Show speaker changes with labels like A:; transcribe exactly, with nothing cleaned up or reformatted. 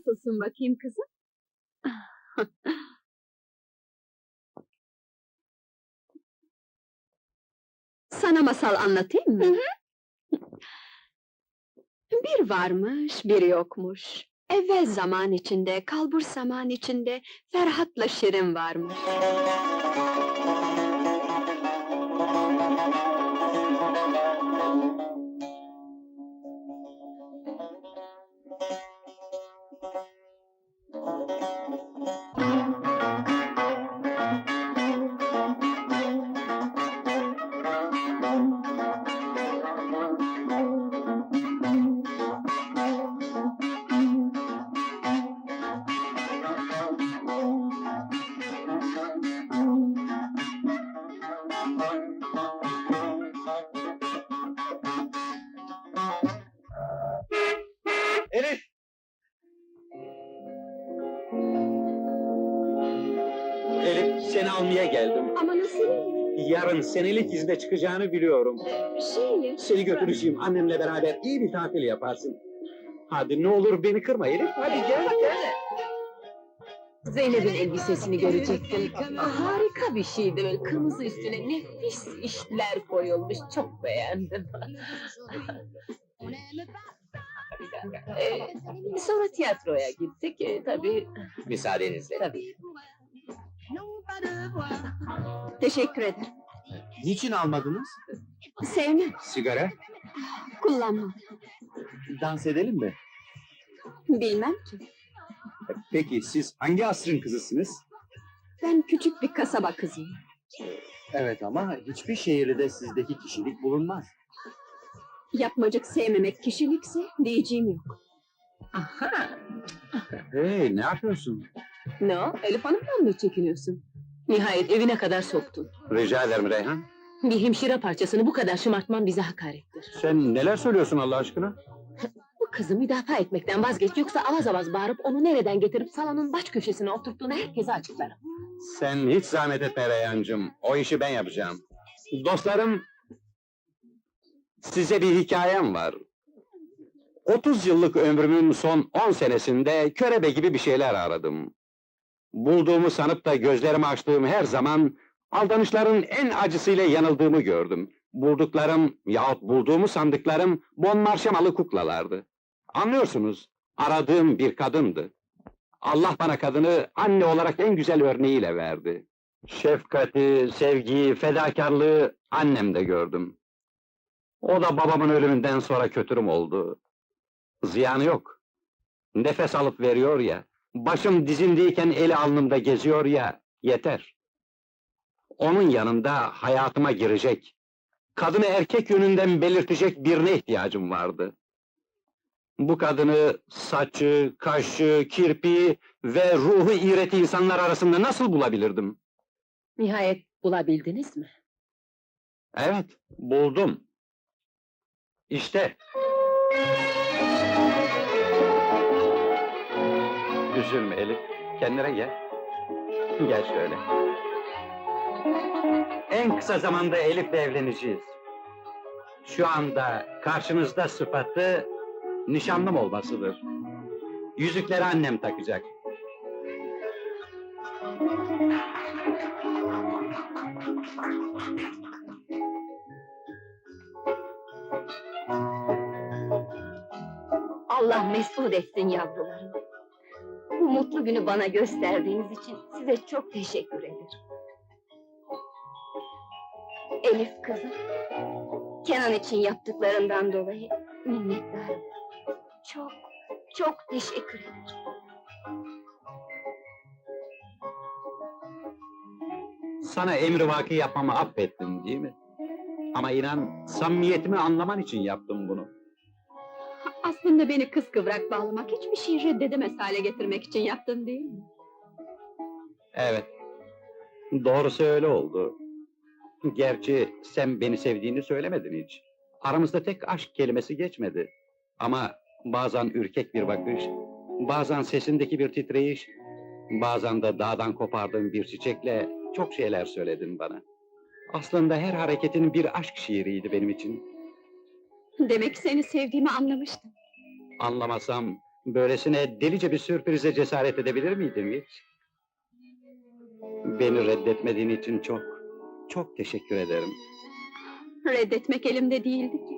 A: nasılsın bakayım kızım? Sana masal anlatayım mı?
B: Hı
A: Bir varmış, bir yokmuş. Evvel zaman içinde, kalbur zaman içinde Ferhat'la Şirin varmış.
C: Elif! Elif, seni almaya geldim.
A: Ama nasıl?
C: Yarın senelik izne çıkacağını biliyorum.
A: Şey...
C: Seni götüreceğim, annemle beraber iyi bir tatil yaparsın. Hadi ne olur beni kırma Elif, hadi gel gel.
B: Zeynep'in elbisesini görecektin. Harika bir şeydi, böyle kırmızı üstüne nefis işler koyulmuş, çok beğendim. Ee, sonra tiyatroya gittik, ee, tabii.
C: Müsaadenizle.
B: Tabii.
A: Teşekkür ederim.
C: Niçin almadınız?
A: Sevmem,
C: Sigara.
A: kullanmam.
C: Dans edelim mi?
A: Bilmem ki.
C: Peki, siz hangi asrın kızısınız?
A: Ben küçük bir kasaba kızıyım.
C: Evet ama hiçbir şehirde sizdeki kişilik bulunmaz.
A: Yapmacık sevmemek kişilikse diyeceğim yok.
B: Aha!
C: Hey, ne yapıyorsun?
B: Ne o? Elif Hanım'dan mı çekiniyorsun? Nihayet evine kadar soktun.
C: Rica ederim Reyhan.
B: Bir hemşire parçasını bu kadar şımartman bize hakarettir.
C: Sen neler söylüyorsun Allah aşkına?
B: Bu kızı müdafaa etmekten vazgeç, yoksa avaz avaz bağırıp onu nereden getirip salonun baş köşesine oturttuğunu herkese açıklarım.
C: Sen hiç zahmet etme Reyhancığım, o işi ben yapacağım. Dostlarım, size bir hikayem var. otuz yıllık ömrümün son on senesinde körebe gibi bir şeyler aradım. Bulduğumu sanıp da gözlerimi açtığım her zaman aldanışların en acısıyla yanıldığımı gördüm. Bulduklarım yahut bulduğumu sandıklarım bon marşemalı kuklalardı. Anlıyorsunuz, aradığım bir kadındı. Allah bana kadını anne olarak en güzel örneğiyle verdi. Şefkati, sevgiyi, fedakarlığı annemde gördüm. O da babamın ölümünden sonra kötürüm oldu. Ziyanı yok. Nefes alıp veriyor ya, başım dizimdeyken eli alnımda geziyor ya, yeter. Onun yanında hayatıma girecek, kadını erkek yönünden belirtecek birine ihtiyacım vardı. Bu kadını saçı, kaşı, kirpiği ve ruhu iğreti insanlar arasında nasıl bulabilirdim?
B: Nihayet bulabildiniz mi?
C: Evet, buldum. İşte. Üzülme Elif, kendine gel. Gel şöyle. En kısa zamanda Elif'le evleneceğiz. Şu anda karşınızda sıfatı nişanlım olmasıdır. Yüzükleri annem takacak.
A: Allah mesut etsin yavrularım. Bu mutlu günü bana gösterdiğiniz için size çok teşekkür ederim. Elif kızım, Kenan için yaptıklarından dolayı minnettarım. Çok, çok teşekkür ederim.
C: Sana emrivaki yapmamı affettin değil mi? Ama inan, samimiyetimi anlaman için yaptım bunu.
A: Aslında beni kıskıvrak bağlamak, hiçbir şeyi reddedemez hale getirmek için yaptın değil mi?
C: Evet, doğrusu öyle oldu. Gerçi sen beni sevdiğini söylemedin hiç. Aramızda tek aşk kelimesi geçmedi. Ama bazen ürkek bir bakış, bazen sesindeki bir titreyiş, bazen de dağdan kopardığın bir çiçekle çok şeyler söyledin bana. Aslında her hareketin bir aşk şiiriydi benim için.
A: Demek seni sevdiğimi anlamıştım.
C: Anlamasam, Böylesine delice bir sürprize cesaret edebilir miydim hiç? Beni reddetmediğin için çok, çok teşekkür ederim.
A: Reddetmek elimde değildi ki.